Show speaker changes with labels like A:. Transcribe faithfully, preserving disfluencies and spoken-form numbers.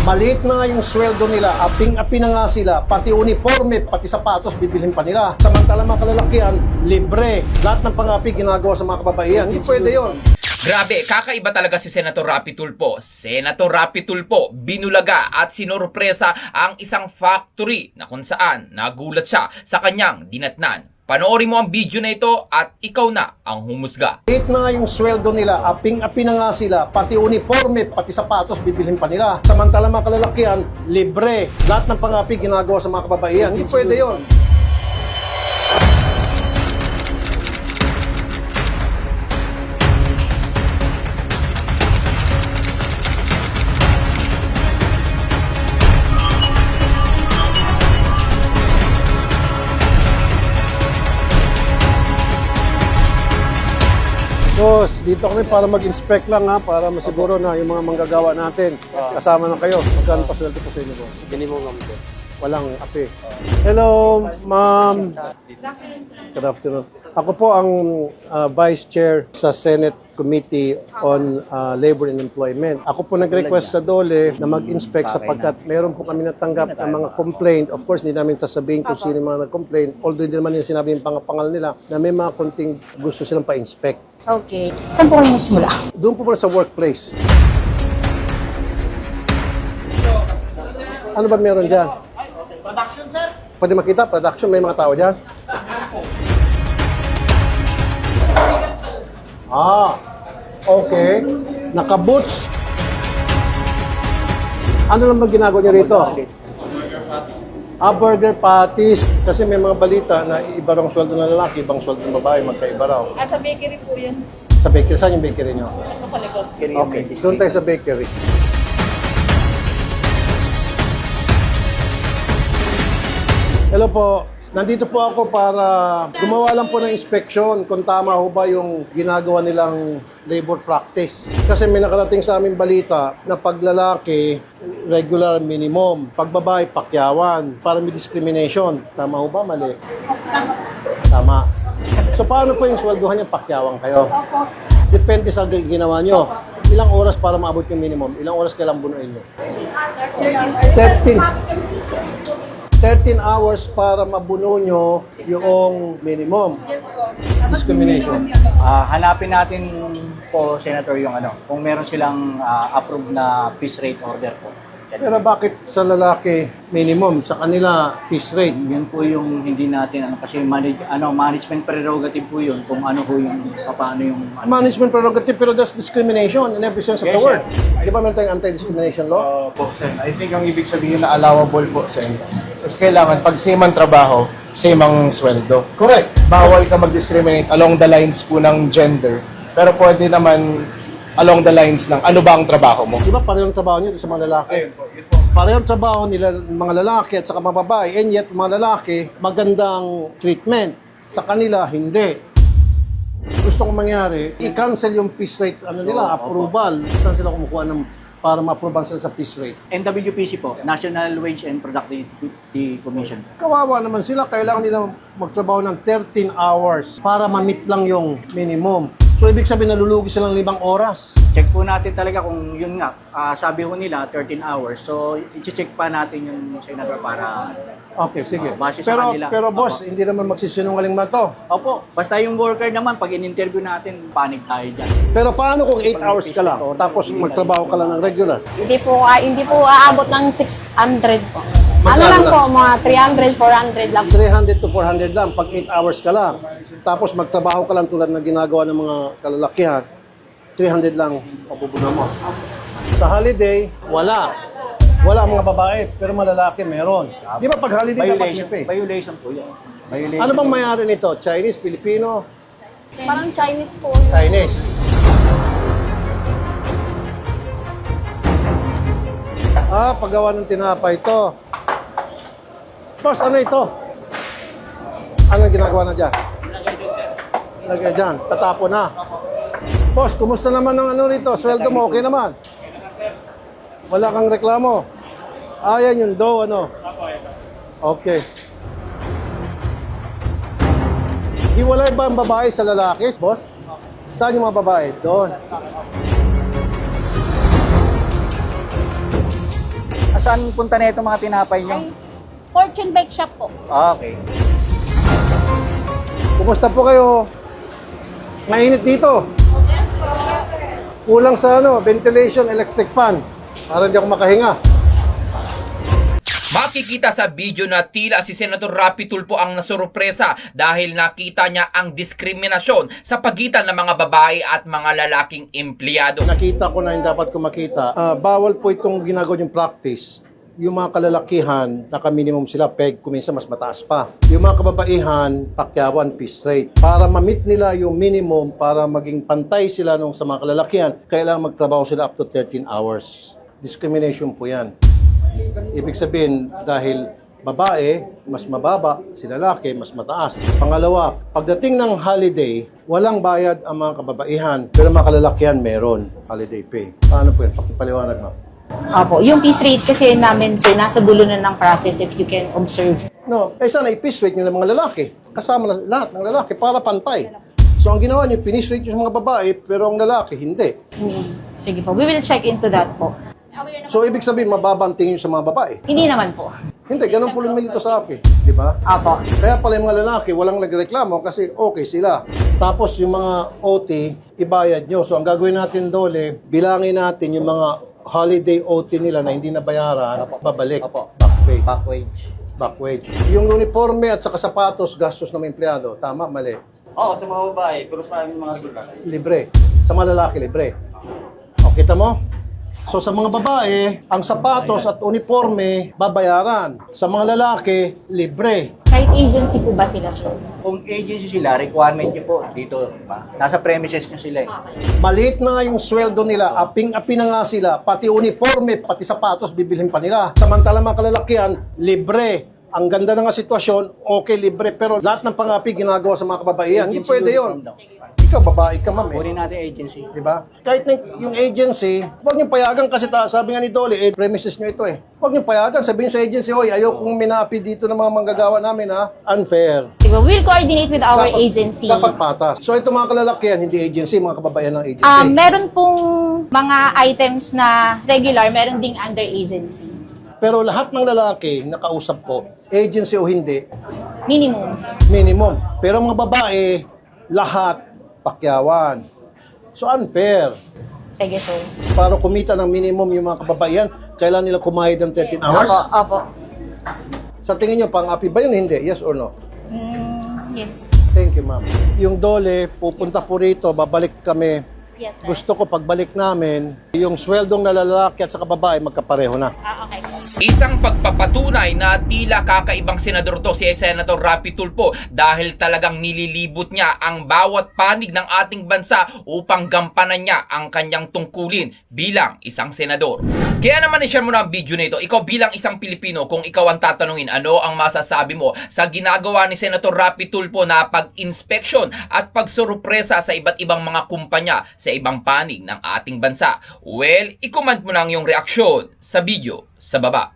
A: Maliit na nga yung sweldo nila, aping-api na nga sila, pati uniforme, pati sapatos, bibilhin pa nila. Samantala mga kalalakihan, libre. Lahat ng pang-api ginagawa sa mga kababaihan. Hindi pwede yun.
B: Grabe, kakaiba talaga si Senator Rapi Tulfo. Senator Rapi Tulfo, binulaga at sinorpresa ang isang factory na kung saan nagulat siya sa kanyang dinatnan. Panoorin mo ang video na ito at ikaw na ang humusga.
A: Maliit na nga yung sweldo nila, aping-api na nga sila, pati uniforme, pati sapatos, bibilhin pa nila. Samantala mga kalalakihan, libre. Lahat ng pang-api ginagawa sa mga kababaihan. Hindi pwede yun. Boss, dito kami para mag-inspect lang ha, para masiguro na yung mga manggagawa natin. Kasama na kayo. Magkano pa sweldo po sa inyo, boss?
C: Hindi mo ngamit.
A: Walang api. Hello, ma'am. Good afternoon. Ako po ang uh, Vice Chair sa Senate Committee on uh, Labor and Employment. Ako po nag-request sa DOLE na mag-inspect sapagkat meron po kami natanggap ng mga complaint. Of course, hindi namin sasabihin kung sino yung mga nag-complaint. Although hindi naman yung sinabi yung pangapangal nila na may mga konting gusto silang pa-inspect.
D: Okay. Saan po kayo nagsimula?
A: Doon po muna sa workplace. Ano ba meron dyan?
C: Production, sir.
A: Pwede makita, production, may mga tao dyan? Ah, okay. Naka-boots. Ano lang ba ginagawa niyo rito? Ah, burger patties. Kasi may mga balita na iba raw ang sweldo ng lalaki, ibang sweldo ng babae, magkaiba raw.
E: Ah, sa bakery po yan.
A: Sa bakery, saan yung bakery niyo?
E: Nasa sa likod.
A: Okay, doon tayo sa bakery. Hello po. Nandito po ako para gumawa lang po ng inspection kung tama ho ba yung ginagawa nilang labor practice. Kasi may nakarating sa aming balita na paglalaki, regular minimum. Pagbabae, pakyawan. Para may discrimination. Tama ho ba? Mali? Tama. So paano po yung sweldohan niya? Pakyawan kayo? Depende sa ginawa nyo. Ilang oras para maabot yung minimum? Ilang oras kailang bunuin nyo? thirteen. thirteen hours para mabuno nyo yung minimum. Discrimination.
C: Ah, hanapin natin po, Senator, yung ano, kung meron silang ah, approved na piece rate order po.
A: Pero bakit sa lalaki minimum, sa kanila piece rate?
C: Yun po yung hindi natin, ano, kasi manage, ano, management prerogative po yun, kung ano po yung, paano yung, ano.
A: Management prerogative, pero that's discrimination in every sense of
C: Yes,
A: the word.
C: sir.
A: Di ba meron tayong anti-discrimination law?
F: Uh, po, Sen. I think ang ibig sabihin na allowable po, Sen. Is kailangan, pag same ang trabaho, same ang sweldo.
A: Correct.
F: Bawal ka mag-discriminate along the lines po ng gender. Pero pwede naman along the lines ng ano ba ang trabaho mo.
A: Di ba parehong trabaho nyo sa mga lalaki? Parehong trabaho nila mga lalaki at saka mga babae, and yet mga lalaki, magandang treatment. Sa kanila, hindi. Gusto kong mangyari, i-cancel yung piece rate, ano nila, approval. Saan sila kumukuha ng para ma-approve sila sa piece rate?
C: N W P C po, National Wage and Productivity Commission.
A: Kawawa naman sila, kailangan nila magtrabaho ng thirteen hours para ma-meet lang yung minimum. So, ibig sabihin, nalulugi silang limang oras.
C: Check po natin talaga kung yun nga, ah, sabi ko nila thirteen hours. So, i-check pa natin yung Senator para,
A: Okay, sige.
C: Oh, base sa
A: pero,
C: kanila.
A: pero boss,
C: Opo.
A: hindi naman magsisinungaling man to.
C: opo, basta yung worker naman, pag in-interview natin, panig tayo dyan.
A: Pero paano kung eight hours ka lang, tapos magtrabaho ka lang ng regular?
D: Hindi po, ah, hindi po aabot ng six hundred po. Ano
A: Magkano
D: lang
A: lang?
D: po, mga three hundred, four hundred lang.
A: three hundred to four hundred lang pag eight hours ka lang. Tapos magtrabaho ka lang tulad na ginagawa ng mga kalalakihan, three hundred lang mapupuno mo. Sa holiday, wala. Wala mga babae, pero malalaki meron. Di ba pag holiday dapat
C: Violation,
A: may pay?
C: violation po yun. Violation.
A: Ano bang mayari nito? Chinese, Filipino,
D: Parang Chinese po.
A: Chinese? Ah, paggawa ng tinapay ito. Boss, ano ito? Ano ang ginagawa na dyan? Lagay dyan. Tatapo na. Boss, kumusta naman ang ano rito? Sweldo mo, okay naman? Wala kang reklamo? Ah, yan yung dough, ano? Okay. Hiwalay ba ang babae sa lalaki, boss? Saan yung mga babae? Doon.
C: saan punta na itong mga tinapay nyo?
D: Ay, Fortune Bake Shop po.
C: Okay.
A: Kumusta po kayo? Mainit dito. Kulang sa ano, ventilation, electric fan. Para hindi ako makahinga.
B: Makikita sa video na tila si Senator Rapi Tulfo ang nasurpresa dahil nakita niya ang diskriminasyon sa pagitan ng mga babae at mga lalaking empleyado.
A: Nakita ko na yung dapat ko makita. Ah, bawal po itong ginagawa yung practice. Yung mga kalalakihan, naka-minimum sila, peg, kuminsan mas mataas pa. Yung mga kababaihan, pakyawan, piece rate. Para ma-meet nila yung minimum, para maging pantay sila nung sa mga kalalakihan, kailangan magtrabaho sila up to thirteen hours. Discrimination po yan. Ibig sabihin, dahil babae, mas mababa, si lalaki, mas mataas. Pangalawa, pagdating ng holiday, walang bayad ang mga kababaihan, pero mga kalalakihan meron holiday pay. Paano po yan? Pakipaliwanag mo.
D: Opo, yung piece rate kasi namin, sir, nasa dulo na ng process if you can observe.
A: No, eh sana i-piece rate nyo ng mga lalaki. Kasama na lahat ng lalaki para pantay. So ang ginawa nyo, piece rate nyo sa mga babae, pero ang lalaki, hindi.
D: Hmm. Sige po, we will check into that po.
A: So ibig sabihin, mababa ang tingin nyo sa mga babae.
D: Hindi naman po.
A: Hindi, ganun po lumilito sa akin. Di ba?
D: Opo.
A: Kaya pala yung mga lalaki, walang nagreklamo kasi okay sila. Tapos yung mga O T, ibayad nyo. So ang gagawin natin dole, bilangin natin yung mga holiday O T nila na hindi nabayaran, babalik.
C: Opo.
A: Back pay.
C: Back wage.
A: Back wage. Yung uniforme at saka sapatos, gastos ng empleyado. Tama, mali.
C: Oo, sa mga babae, pero sa amin mga sulat.
A: Libre. Sa mga lalaki, libre. O, kita mo? So sa mga babae, ang sapatos at uniforme, babayaran. Sa mga lalaki, libre.
D: Kahit agency po ba sila, sir?
C: Kung agency sila, requirement nyo po dito, diba? Nasa premises nyo sila eh.
A: Maliit na nga yung sweldo nila, aping-api na nga sila, pati uniforme, pati sapatos, bibilhin pa nila. Samantala mga kalalakihan, libre. Ang ganda na nga sitwasyon, okay, libre, pero lahat ng pangapi ginagawa sa mga kababaihan. Hindi
C: Agency
A: pwede
C: uniform
A: yun.
C: daw.
A: Ikaw, babae ka, ma'am. Eh.
C: Kunin natin agency.
A: Diba? Kahit na yung agency, huwag niyong payagan kasi ta, sabi nga ni Dolly, eh, premises niyo ito eh. Huwag niyong payagan, sabihin sa agency, oy, ayaw kong minapi dito ng mga manggagawa namin ha. Unfair.
D: Diba? We'll coordinate with our
A: Dapat-
D: agency.
A: Dapat patas. So ito mga kalalakihan, hindi agency, mga kababayan ng agency.
D: Um, meron pong mga items na regular, meron ding under agency.
A: Pero lahat ng lalaki, nakausap ko, agency o hindi,
D: Minimum.
A: minimum. Pero mga babae, lahat, pakyawan. So unfair.
D: Sige, sir.
A: Para kumita ng minimum yung mga kababaihan, kailangan nila kumayad ng thirteen hours.
D: Opo, opo.
A: Sa tingin nyo, pang-api ba yun? Hindi. Yes or no?
D: Mm, yes.
A: Thank you, ma'am. Yung Dole, pupunta po rito, babalik kami.
D: Yes, sir.
A: Gusto ko pagbalik namin, yung sweldong na lalaki at sa babae, magkapareho na.
D: Ah, okay po.
B: Isang pagpapatunay na tila kakaibang senador to si Senator Rapi Tulfo dahil talagang nililibot niya ang bawat panig ng ating bansa upang gampanan niya ang kanyang tungkulin bilang isang senador. Kaya naman i-share mo na ang video na ito. Ikaw bilang isang Pilipino, kung ikaw ang tatanungin, ano ang masasabi mo sa ginagawa ni Senator Rapi Tulfo na pag-inspeksyon at pagsurpresa sa iba't ibang mga kumpanya sa ibang panig ng ating bansa? Well, i-comment mo na ang iyong reaksyon sa video sa baba.